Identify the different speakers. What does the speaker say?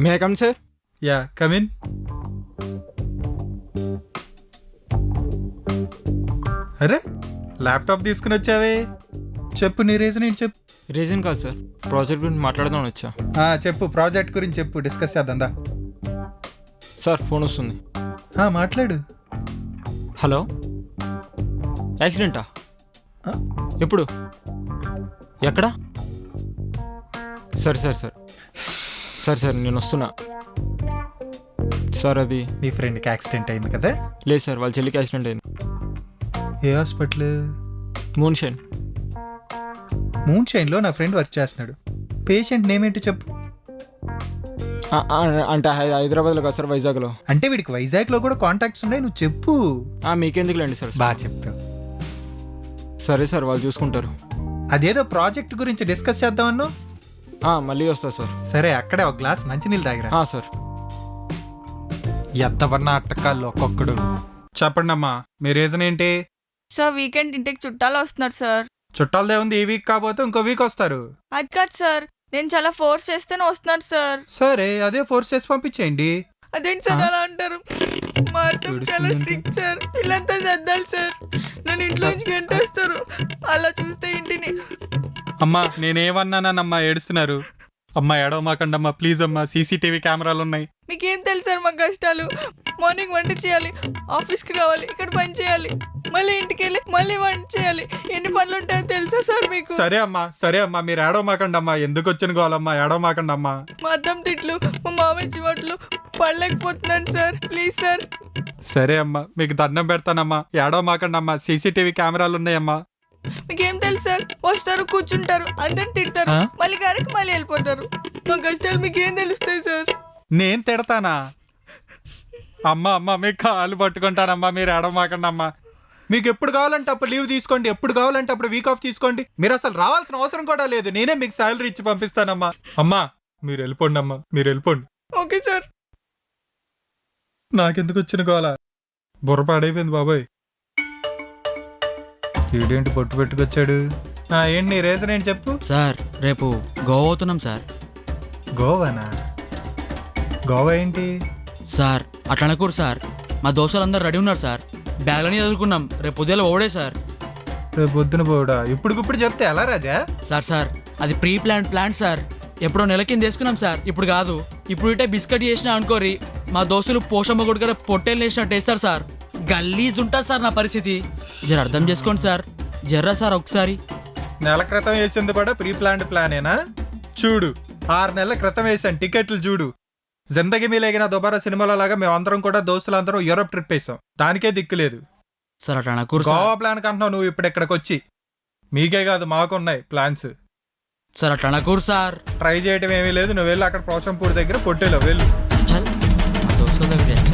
Speaker 1: May I come sir?
Speaker 2: Yeah come in. అరే laptop తీసుకుని వచ్చావే, చెప్పు నీ రీజన్ ఏంటి చెప్పు.
Speaker 1: రీజన్ కాదు సార్, ప్రాజెక్ట్ గురించి మాట్లాడదామని వచ్చా.
Speaker 2: చెప్పు, ప్రాజెక్ట్ గురించి చెప్పు, డిస్కస్ చేద్దాందా.
Speaker 1: సార్ ఫోన్ వస్తుంది.
Speaker 2: మాట్లాడు.
Speaker 1: హలో, యాక్సిడెంటా? ఎప్పుడు, ఎక్కడ? సరే సార్ సార్ సరే సార్ నేను వస్తున్నా సార్. అది
Speaker 2: నీ ఫ్రెండ్కి యాక్సిడెంట్ అయింది కదా?
Speaker 1: లేదు సార్, వాళ్ళ చెల్లికి యాక్సిడెంట్ అయింది.
Speaker 2: ఏ హాస్పిటల్?
Speaker 1: Moon shine.
Speaker 2: మూన్ షైన్లో నా ఫ్రెండ్ వర్క్ చేస్తున్నాడు. పేషెంట్ నేమ్ ఏంటో చెప్పు.
Speaker 1: అంటే హైదరాబాద్లో కాదు సార్, వైజాగ్లో.
Speaker 2: అంటే వీడికి వైజాగ్లో కూడా కాంటాక్ట్స్ ఉన్నాయి, నువ్వు చెప్పు.
Speaker 1: మీకెందుకులేండి సార్.
Speaker 2: బాగా చెప్పావు.
Speaker 1: సరే సార్, వాళ్ళు చూసుకుంటారు.
Speaker 2: అదేదో ప్రాజెక్ట్ గురించి డిస్కస్ చేద్దామన్నావు.
Speaker 1: మళ్ళీ వస్తా సార్.
Speaker 2: సరే, అక్కడే ఒక గ్లాస్ మంచినీళ్ళు తాగిరా.
Speaker 1: సార్.
Speaker 2: ఎద్దవన్నా అట్టకాళ్ళు ఒక్కొక్కడు. చెప్పండి అమ్మా, మీ రీజన్ ఏంటి?
Speaker 3: సార్ వీకెండ్ ఇంటికి చుట్టాలు వస్తున్నారు సార్.
Speaker 2: చుట్టాలదే ఉంది, ఈ వీక్ కాకపోతే ఇంకో వీక్ వస్తారు.
Speaker 3: అది కాదు సార్, నేను చాలా ఫోర్స్ చేస్తేనే వస్తున్నారు సార్.
Speaker 2: సరే, అదే ఫోర్స్ చేసి పంపించేయండి.
Speaker 3: అదేంటి సార్ అలా అంటారు? మా అత్త చాలా స్ట్రిక్ట్ సార్, ఇల్లంతా సర్దాలి సార్, నన్ను ఇంట్లో నుంచి గంటేస్తారు. అలా చూస్తే ఇంటిని.
Speaker 2: అమ్మా నేనేమన్నానమ్మా, ఏడుస్తున్నారు. అమ్మా ఏడవమాకండి అమ్మా, ప్లీజ్ అమ్మా, సీసీటీవీ కెమెరాలు ఉన్నాయి.
Speaker 3: మీకేం తెలుసు సార్ మా కష్టాలు? మార్నింగ్ వంట చేయాలి, ఆఫీస్కి రావాలి, ఇక్కడ పని చేయాలి, మళ్ళీ ఇంటికి వెళ్ళి మళ్ళీ వంట చేయాలి. ఎన్ని పనులు ఉంటాయో తెలుసా సార్ మీకు?
Speaker 2: సరే అమ్మా మీరు ఏడవమాకండి అమ్మా, ఎందుకు వచ్చిన గోలమ్మా, ఏడవమాకండి అమ్మా.
Speaker 3: మా అద్దం తిట్లు, మా మామయ్య చివట్లు పడలేకపోతున్నాను సార్, ప్లీజ్ సార్.
Speaker 2: సరే అమ్మా, మీకు దండం పెడతానమ్మా, ఏడవమాకండి అమ్మా, సీసీటీవీ కెమెరాలు ఉన్నాయమ్మా.
Speaker 3: మీకేం తెలుసు సార్? వస్తారు, కూర్చుంటారు, అందరిని తిడతారు, మళ్ళీ గారికి మళ్ళీ వెళ్ళిపోతారు. మా కష్టాలు మీకేం తెలుస్తాయి సార్?
Speaker 2: నేను తిడతానా? అమ్మా మీకు కాళ్ళు పట్టుకుంటానమ్మా, మీరు ఏడవమాకండి అమ్మా. మీకు ఎప్పుడు కావాలంటే అప్పుడు లీవ్ తీసుకోండి, ఎప్పుడు కావాలంటే అప్పుడు వీక్ ఆఫ్ తీసుకోండి. మీరు అసలు రావాల్సిన అవసరం కూడా లేదు, నేనే మీకు శాలరీ ఇచ్చి పంపిస్తానమ్మా. అమ్మా మీరు వెళ్ళిపోండి అమ్మా, మీరు వెళ్ళిపోండి.
Speaker 3: Okay sir.
Speaker 2: నాకెందుకు వచ్చిన గోల, బుర్ర పాడైపోయింది బాబోయ్. వీడేంటి పొట్టు పెట్టుకొచ్చాడు? ఏంటి నీ రీజన్ ఏంటి చెప్పు.
Speaker 4: సార్ రేపు గోవా అవుతున్నాం సార్.
Speaker 2: గోవానా? గోవా ఏంటి
Speaker 4: సార్ అట్లా అనకూడదు సార్, మా దోస్తులందరూ రెడీ ఉన్నారు సార్, బ్యాగ్లని చదువుకున్నాం, రేపు ఉదయం ఓడే సార్.
Speaker 2: రేపు పొద్దున పోవడా? ఇప్పుడు చెప్తే ఎలా రాజా?
Speaker 4: సార్ అది ప్రీ ప్లాన్ సార్, ఎప్పుడో నెల కింద వేసుకున్నాం సార్, ఇప్పుడు కాదు. ఇప్పుడు ఇటే బిస్కెట్ చేసినా అనుకోరి, మా దోస్తులు పోషమ్మ గుడి కూడా పొట్టేలు వేసినట్టు వేస్తారు సార్. గల్లీజ్ ఉంటుంది సార్ నా పరిస్థితి, జర అర్థం చేసుకోండి సార్, జర్రా సార్ ఒకసారి.
Speaker 2: నెల క్రితం వేసింది కూడా ప్రీ ప్లానేనా? చూడు, 6 నెలల క్రితం వేసాను టికెట్లు చూడు. జిందగీ మీలేగిన దుబారా సినిమాల లాగా మేమందరం కూడా దోస్తులందరం యూరోప్ ట్రిప్ వేసాం, దానికే దిక్కులేదు
Speaker 4: సార్. అట్లా అనకూడదు.
Speaker 2: గోవా ప్లాన్ కంటున్నావు నువ్వు ఇప్పుడు ఇక్కడికి వచ్చి. మీకే కాదు మాకున్నాయి ప్లాన్స్
Speaker 4: సార్. అట్లా అనకూడదు సార్.
Speaker 2: ట్రై చేయడం ఏమీ లేదు, నువ్వు వెళ్ళి అక్కడ పోచంపూర్ దగ్గర పొట్టేలో వెళ్ళు.
Speaker 4: చల్, మా దోస్తుల దగ్గర